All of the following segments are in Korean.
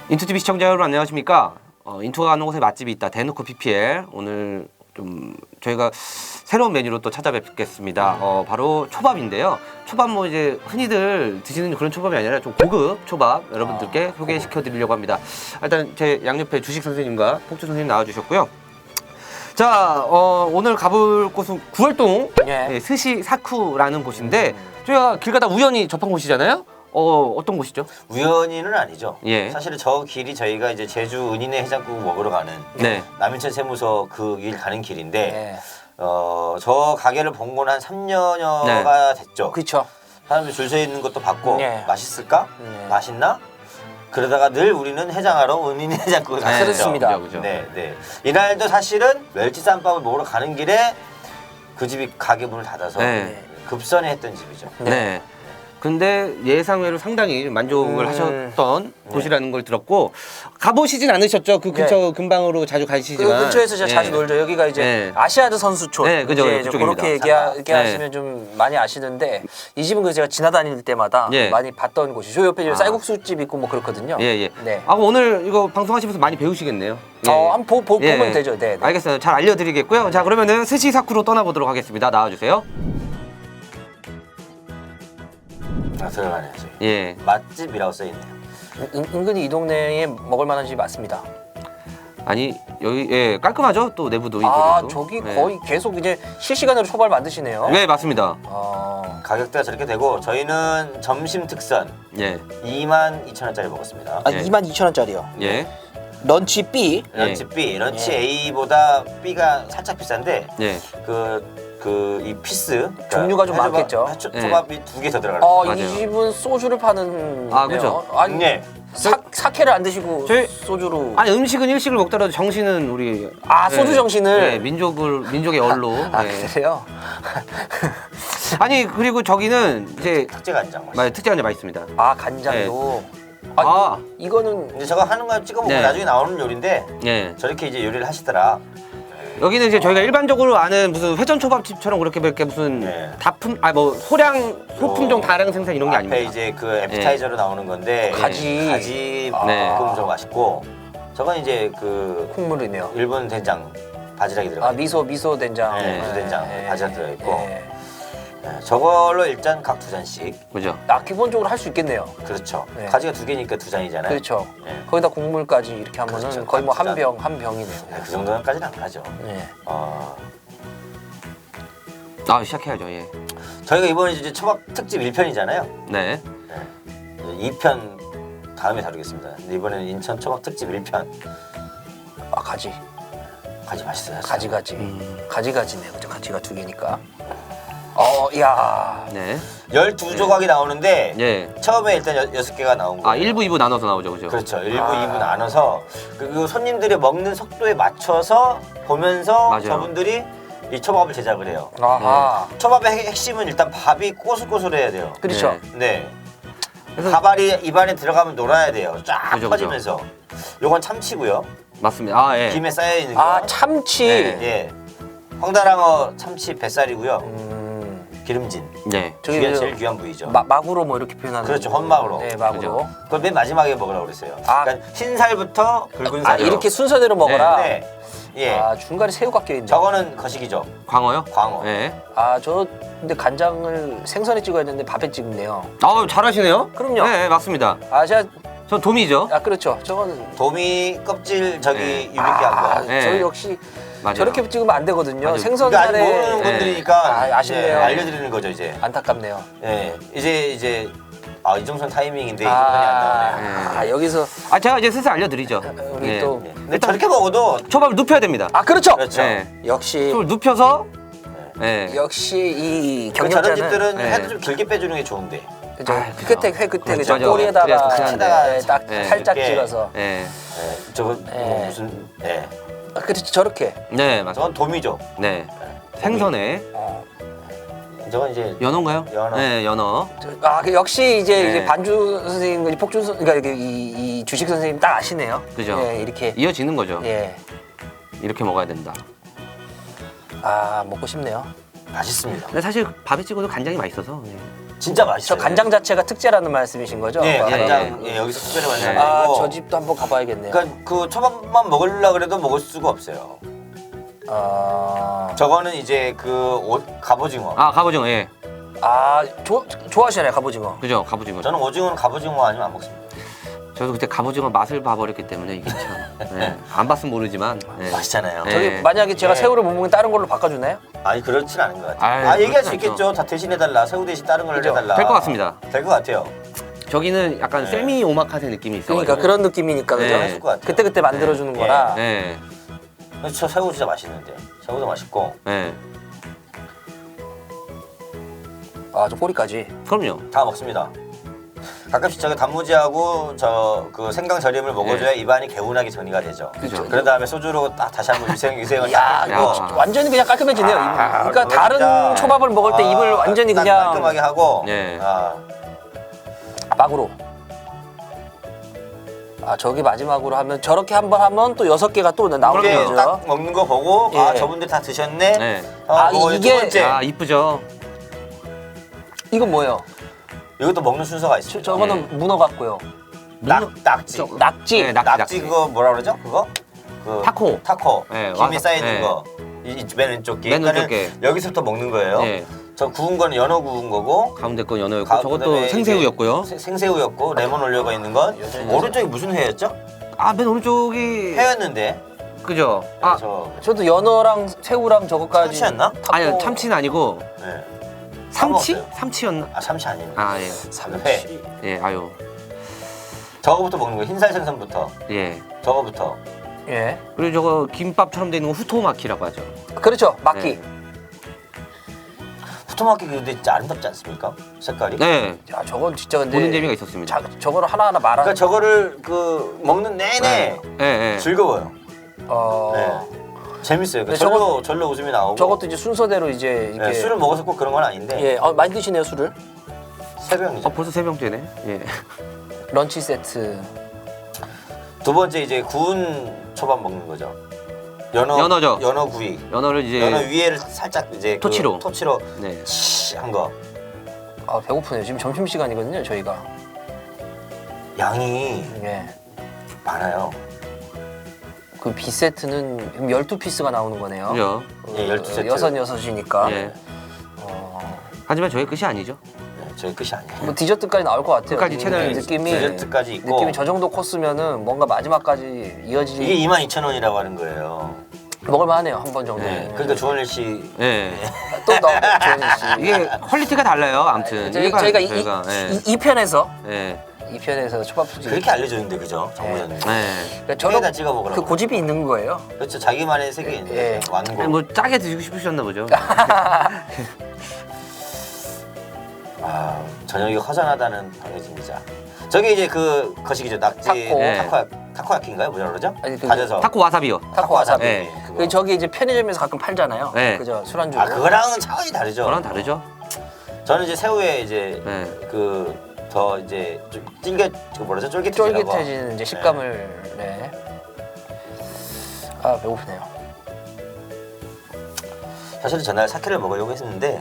인투TV 시청자 여러분 안녕하십니까? 인투가 가는 곳에 맛집이 있다. 대놓고 PPL. 오늘 좀 저희가 새로운 메뉴로 또 찾아뵙겠습니다. 바로 초밥인데요. 초밥 뭐 이제 흔히들 드시는 그런 초밥이 아니라 좀 고급 초밥 여러분들께 소개시켜 드리려고 합니다. 일단 제 양옆에 주식 선생님과 폭주 선생님 나와주셨고요. 자, 오늘 가볼 곳은 구월동 예, 스시 사쿠라는 곳인데 저희가 길 가다 우연히 접한 곳이잖아요. 어떤 곳이죠? 우연히는 아니죠. 예. 사실은 저 길이 저희가 이제 제주 은인의 해장국 먹으러 가는 네. 남인천 세무서 그 길 가는 길인데 네. 저 가게를 본 건 한 3년여가 됐죠. 그렇죠. 사람들이 줄 서 있는 것도 봤고 네. 맛있을까? 네. 맛있나? 그러다가 늘 우리는 해장하러 은인의 해장국을 네, 갔었죠. 그렇습니다. 그죠. 네, 네. 이날도 사실은 멸치쌈밥을 먹으러 가는 길에 그 집이 가게 문을 닫아서 네. 급선회 했던 집이죠. 네. 근데 예상외로 상당히 만족을 하셨던 곳이라는 걸 들었고 가보시진 않으셨죠? 그 근처 근방으로 자주 그 가시지만 근처에서 제가 자주 놀죠. 여기가 이제 네. 아시아드 선수촌. 네, 그죠. 이제 그쪽입니다. 그렇게 얘기하시면 좀 많이 아시는데 이 집은 그 제가 지나다닐 때마다 예. 많이 봤던 곳이죠. 저 옆에 쌀국수집 있고 뭐 그렇거든요. 예. 네. 오늘 이거 방송하시면서 많이 배우시겠네요. 예. 한번 보면 되죠. 네. 알겠어요. 잘 알려드리겠고요. 자, 그러면은 스시 사쿠로 떠나보도록 하겠습니다. 나와주세요. 들어가야죠. 예. 맛집이라고 써있네요. 은근히 이 동네에 먹을 만한 집이 많습니다. 아니 여기 예 깔끔하죠? 또 내부도 아, 인테리어도. 저기 예. 거의 계속 이제 실시간으로 초발 만드시네요. 네, 맞습니다. 가격대가 저렇게 되고 저희는 점심 특선 예. 22,000원짜리 먹었습니다. 아, 예. 22,000원짜리요. 예. 런치 B. 런치 B, 런치 A보다 B가 살짝 비싼데 예. 이 피스 그러니까 종류가 좀 많겠죠. 예. 초밥이 2개 더 들어가요. 맞아요. 이 집은 소주를 파는. 아, 그죠. 아니, 네. 사케를 안 드시고 저희- 소주로. 아니 음식은 일식을 먹더라도 정신은 우리 소주 정신을. 예, 민족의 얼로. 아, 예. 그래요? 아니 그리고 저기는 이제 특제 간장 맛. 맞아요, 특제 간장 맛있습니다. 아, 간장도. 아. 이거는 이제 저거 하는 거 찍어 먹으면 네. 나중에 나오는 요리인데 예. 저렇게 이제 요리를 하시더라. 여기는 이제 저희가 일반적으로 아는 무슨 회전 초밥집처럼 그렇게 이렇게 무슨 네. 소품종 다량 생산 이런 게 앞에 아닙니다. 이제 그 애프타이저로 나오는 건데 가지. 가지 네. 볶음 저거 맛있고 저건 이제 그 콩물이네요. 일본 된장 바지락이 들어가. 아, 미소 된장. 네, 미소 된장, 바지락 들어가 있고. 네. 저걸로 일단 각 2잔씩. 그죠? 기본적으로 할 수 있겠네요. 그렇죠. 네. 가지가 2개니까 2잔이잖아요. 그렇죠. 네. 거기다 국물까지 이렇게 하면은 그렇죠. 거의 뭐 한 한 병, 한 병이네요. 네, 그 정도까지는 안 가죠. 네. 시작해야죠. 예. 저희가 이번에 이제 초밥 특집 1편이잖아요. 네. 2편 다음에 다루겠습니다. 근데 이번에는 인천 초밥 특집 1편. 아, 가지. 가지 맛있어요. 가지네요. 그죠? 가지가 2개니까. 야. 네. 12조각이 나오는데 예. 처음에 일단 6개가 나온 거예요. 1부, 2부 나눠서 나오죠. 그죠? 그렇죠. 1부, 2부 나눠서 그리고 손님들이 먹는 속도에 맞춰서 보면서 맞아요. 저분들이 이 초밥을 제작을 해요. 아하. 초밥의 핵심은 일단 밥이 꼬슬꼬슬해야 돼요. 그렇죠. 네. 네. 그래서- 밥알이 입안에 들어가면 놀아야 돼요. 쫙 그죠, 그죠. 퍼지면서. 요건 참치고요. 맞습니다. 예. 김에 쌓여 있는 거. 참치. 네. 예. 황달랑어 참치 뱃살이고요. 기름진. 네. 저기 제일 귀한 부위죠. 마구로 뭐 이렇게 표현하는. 그렇죠. 헌막으로. 네, 마구로. 그죠. 그걸 맨 마지막에 먹으라고 그랬어요. 그러니까 흰살부터 붉은 살. 이렇게 순서대로 먹어라. 네. 예. 중간에 새우가 껴있네. 저거는 거식이죠. 광어요? 광어. 예. 저 근데 간장을 생선에 찍어야 되는데 밥에 찍네요. 잘하시네요. 그럼요. 네, 맞습니다. 제가 전 도미죠. 그렇죠. 저거는 도미 껍질 저기 네. 유밌게 한 거. 네. 저희 역시 맞아요. 저렇게 찍으면 안 되거든요. 맞아요. 생선 그러니까 아직 살에 모르는 네. 분들이니까 아쉽네요. 이제 알려드리는 거죠 이제. 안타깝네요. 예. 이제 이정선 타이밍인데 이정선이 안 나오네요. 네. 여기서 제가 이제 슬슬 알려드리죠. 우리 예. 또 예. 근데 저렇게 먹어도 초밥을 눕혀야 됩니다. 그렇죠. 그렇죠. 네. 역시 초밥을 눕혀서 예. 역시 이 저런 경력자는 집들은 네. 회도 좀 길게 빼주는 게 좋은데. 그죠. 그죠. 끝에 회 끝에 그죠. 맞아요. 꼬리에다가 그래서 그냥 딱 네. 살짝 이렇게. 찍어서. 예. 예. 저거 뭐 무슨 예. 그렇지 저렇게. 네, 맞아요. 저건 도미죠. 네. 생선에 저건 이제 연어인가요? 연어. 네, 연어. 역시 이제, 네. 이제 반주 선생님, 폭준 선, 그러니까 이 주식 선생님 딱 아시네요. 그죠. 예, 이렇게. 이어지는 거죠. 예. 이렇게 먹어야 된다. 먹고 싶네요. 맛있습니다. 근데 사실 밥에 찍어도 간장이 맛있어서. 예. 진짜 맛있어요. 저 간장 자체가 특제라는 말씀이신 거죠? 예, 아, 간장 예. 예, 여기서 특별히 만든 아, 아니고. 저 집도 한번 가봐야겠네요. 그러니까 그 초밥만 먹으려고 그래도 먹을 수가 없어요. 아, 저거는 이제 그 갑오징어. 아 갑오징어 예. 좋아하시나요, 갑오징어? 그죠 갑오징어. 저는 오징어는 갑오징어 아니면 안 먹습니다. 저도 그때 갑오징어 맛을 봐버렸기 때문에 이게 참. 예. 안 봤으면 모르지만. 예. 맛있잖아요. 예. 저기 만약에 제가 예. 새우를 못 먹으면 다른 걸로 바꿔주나요? 아니 그렇진 않은 것 같아요. 아유, 얘기할 수 그렇진 있겠죠. 다 대신해달라. 새우 대신 다른 걸 그죠. 해달라. 될 것 같습니다. 될 것 같아요. 저기는 약간 네. 세미 오마카세 느낌이 있어요. 그러니까 그런 느낌이니까 그죠? 네. 했을 것 같아요. 그때 만들어주는 네. 거라. 예. 그래서 저 새우 진짜 맛있는데. 새우도 맛있고. 예. 아, 저 꼬리까지. 그럼요. 다 먹습니다. 가끔씩 저기 단무지하고 저 그 생강 절임을 먹어줘야 입안이 개운하게 정리가 되죠. 그죠. 그런 다음에 소주로 딱 다시 한번 유생을 야, 딱 이거 하고 완전히 그냥 깔끔해지네요. 입. 그러니까 그거 다른 진짜. 초밥을 먹을 때 입을 완전히 딱 그냥 깔끔하게 하고. 네. 막으로. 아, 저기 마지막으로 하면 저렇게 한번 하면 또 6개가 또 나오는 이게 거죠. 딱 먹는 거 보고 예. 아 저분들 다 드셨네. 네. 아, 이게 이게- 두 번째. 아 이쁘죠. 이건 뭐예요? 이것도 먹는 순서가 있습니다. 저거는 문어 같고요. 낙지. 낙지. 네, 낙지 그거 뭐라 그러죠? 그거? 그 타코. 타코. 네, 김이 와사- 쌓여 있는 네. 거. 맨 왼쪽 게. 맨 왼쪽 그러니까는 게. 여기서부터 먹는 거예요. 예. 저 구운 거는 연어 구운 거고. 가운데 건 연어였고 그다음에 저것도 이게 생새우였고요. 생새우였고 레몬 올려가 있는 건 오른쪽이 무슨 회였죠? 아 맨 오른쪽이 회였는데. 그죠. 아 저도 연어랑 새우랑 저거까지. 참치였나? 아니요 참치는 아니고 네. 삼치? 먹었어요. 삼치였나? 아 참치 아니네. 아 예. 회. 예 아유 저거부터 먹는 거예요. 흰살 생선부터. 예. 저거부터. 예. 그리고 저거 김밥처럼 돼 있는 거 후토마키라고 하죠. 그렇죠. 막기. 네. 후토마키 근데 진짜 아름답지 않습니까? 색깔이. 네. 야, 저건 진짜 근데 보는 재미가 있었습니다. 저거를 하나하나 말하는. 그러니까 저거를 그 먹는 내내 예, 예. 즐거워요. 어. 네. 재밌어요. 근데 절로 웃음이 나오고. 저것도 이제 순서대로 이제 이게 네, 술을 먹어서 꼭 그런 건 아닌데. 예, 많이 드시네요, 술을. 세 병이죠. 벌써 3병째네. 예. 런치 세트. 두 번째 이제 구운 초밥 먹는 거죠. 연어죠. 연어 구이. 연어를 이제 연어 위에를 살짝 이제 토치로. 그 토치로 네. 한 거. 아, 배고프네요. 지금 점심 시간이거든요, 저희가. 양이 예. 많아요. 그 B 세트는 12피스가 나오는 거네요. 그죠. 예, 12세트. 여섯이니까. 예. 어, 하지만 저의 끝이 아니죠. 네, 저희 끝이 아니에요. 뭐 디저트까지 나올 것 같아요. 끝까지 이 채널 느낌이 디저트까지 있고. 느낌이 저 정도 코스면은 뭔가 마지막까지 이어지 이게 22,000원이라고 하는 거예요. 먹을만하네요, 한 번 정도. 네. 그러니까 조원일 씨 예. 또 나오고 조현희 씨. 이게 퀄리티가 달라요. 아무튼 저희가 예. 이 편에서 예. 이 편에서 초밥집 그렇게 알려줬는데 그죠? 정부장님. 예. 그러니까 저에다 찍어 먹으라고. 그 고집이 있는 거예요. 그렇죠. 자기만의 세계 있는 예. 거죠. 완고. 아니, 뭐 짜게 드시고 싶으셨나 보죠. 아, 저녁이 허전하다는 방해진 기자. 저게 이제 그 거시기죠. 낙지 타코. 네. 타코야키인가요? 뭐라 그러죠? 아니, 그- 다져서. 타코 와사비요. 타코 와사비. 네. 그거. 그 저기 이제 편의점에서 가끔 팔잖아요. 네. 그죠? 술안주. 아 그거랑은 차원이 다르죠. 저랑 다르죠. 저는 이제 새우에 이제 네. 그 더 이제 좀 그 뭐라죠? 쫄깃해지라고. 쫄깃해지는 이제 식감을 네. 아, 배고프네요. 사실은 전날 사케를 먹으려고 했었는데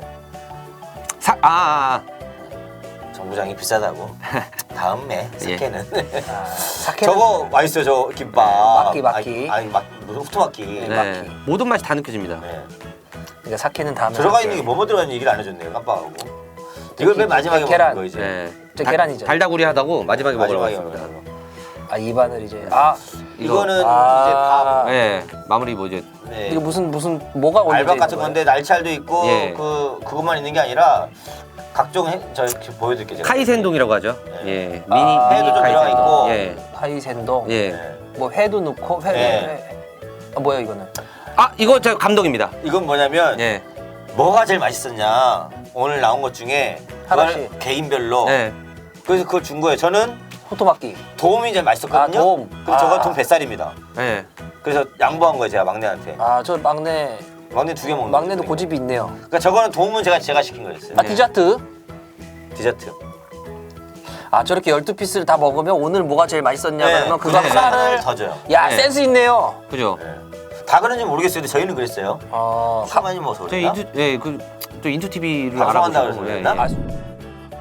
정부장이 비싸다고. 다음에 사케는. 아, 사케는 저거 맛있어요. 저 김밥. 막기. 아니 무슨 후토마키. 네. 막히. 모든 맛이 다 느껴집니다. 네. 그러니까 사케는 다음에 들어가 할게요. 있는 게 뭐뭐 들어가 있는 얘기를 안 해줬네요. 깜빡하고. 이걸 맨 마지막에 계란. 먹는 거 이제. 네. 저 계란이죠. 달다구리 하다고 마지막에 먹으러 마지막에 왔습니다. 먹는 거. 아, 입안을 이제 이거는 아. 이제 밥. 예. 마무리 뭐죠? 네. 이거 무슨 뭐가 올려져 알밥 있는 같은 거예요? 건데 날치알도 있고 예. 그것만 있는 게 아니라 각종 저 이렇게 보여드릴게요. 제가. 카이센동이라고 하죠. 네. 예. 미니 회도 좀 들어가 카이센동. 있고. 예. 하이센동. 예. 네. 뭐 회도 넣고 회. 네. 아, 뭐야 이거는? 아, 이거 저 감독입니다. 이건 뭐냐면 예. 뭐가 제일 맛있었냐 오늘 나온 것 중에 그걸 하나씩. 개인별로 예. 그래서 그걸 준 거예요. 저는 호토막기. 도움이 제일 맛있었거든요. 아, 도움. 근데 저건 아. 돈 뱃살입니다. 예. 그래서 양보한 거예요. 제가 막내한테. 아, 저 막내 막내 2개 먹는 막내도 거예요. 고집이 있네요. 그러니까 저거는 도움은 제가 시킨 거였어요. 아, 네. 디저트. 디저트. 아, 저렇게 12피스를 다 먹으면 오늘 뭐가 제일 맛있었냐 그러면 그거 그래. 하나를 더 줘요. 야, 네. 센스 있네요. 그죠? 네. 다 그런지 모르겠어요. 근데 저희는 그랬어요. 어, 술 많이 먹어서 저희 그랬나? 인투 예, 그 또 인투 TV를 방송한다 알아보시고 그래서 예, 그랬나? 예.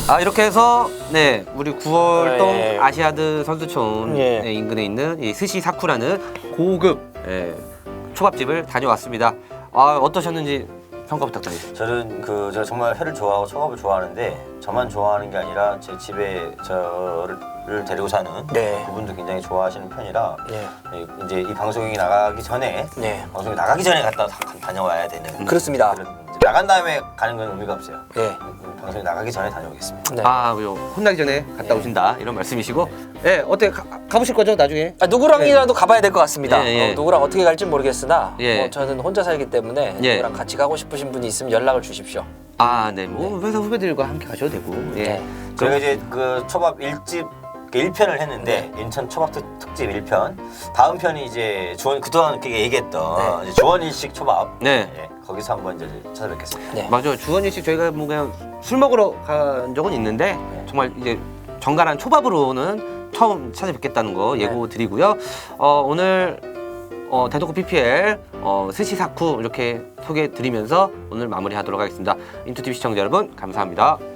아 이렇게 해서 네 우리 9월동 예. 아시아드 선수촌 예. 네, 인근에 있는 이 스시 사쿠라는 고급 초밥집을 다녀왔습니다. 아 어떠셨는지 평가 부탁드립니다. 저는 제가 정말 회를 좋아하고 초밥을 좋아하는데 저만 좋아하는 게 아니라 제 집에 저를 데리고 사는 네. 그분도 굉장히 좋아하시는 편이라 네. 이제 이 방송이 나가기 전에 네. 방송이 나가기 전에 갔다 다녀와야 되는 그렇습니다. 이제 나간 다음에 가는 건 의미가 없어요. 네. 방송이 나가기 전에 다녀오겠습니다. 네. 요 혼나기 전에 갔다 오신다 이런 말씀이시고, 예 어때 가보실 거죠 나중에? 누구랑이라도 가봐야 될 것 같습니다. 예, 예. 누구랑 어떻게 갈지 모르겠으나 예. 저는 혼자 살기 때문에 예. 누구랑 같이 가고 싶으신 분이 있으면 연락을 주십시오. 아 네 뭐 회사 후배들과 함께 가셔도 되고, 예. 네. 저희가 이제 그 초밥 1집 1편을 했는데 인천 초밥 특집 1편 다음 편이 이제 그동안 이렇게 얘기했던 이제 주원일식 초밥 네. 예, 거기서 한번 이제 찾아뵙겠습니다. 네. 맞아요. 주원일 씨 저희가 뭐 그냥 술 먹으러 간 적은 있는데 정말 이제 정갈한 초밥으로는 처음 찾아뵙겠다는 거 예고 드리고요. 오늘 대놓고 PPL 스시 사쿠 이렇게 소개해 드리면서 오늘 마무리하도록 하겠습니다. 인투TV 시청자 여러분 감사합니다.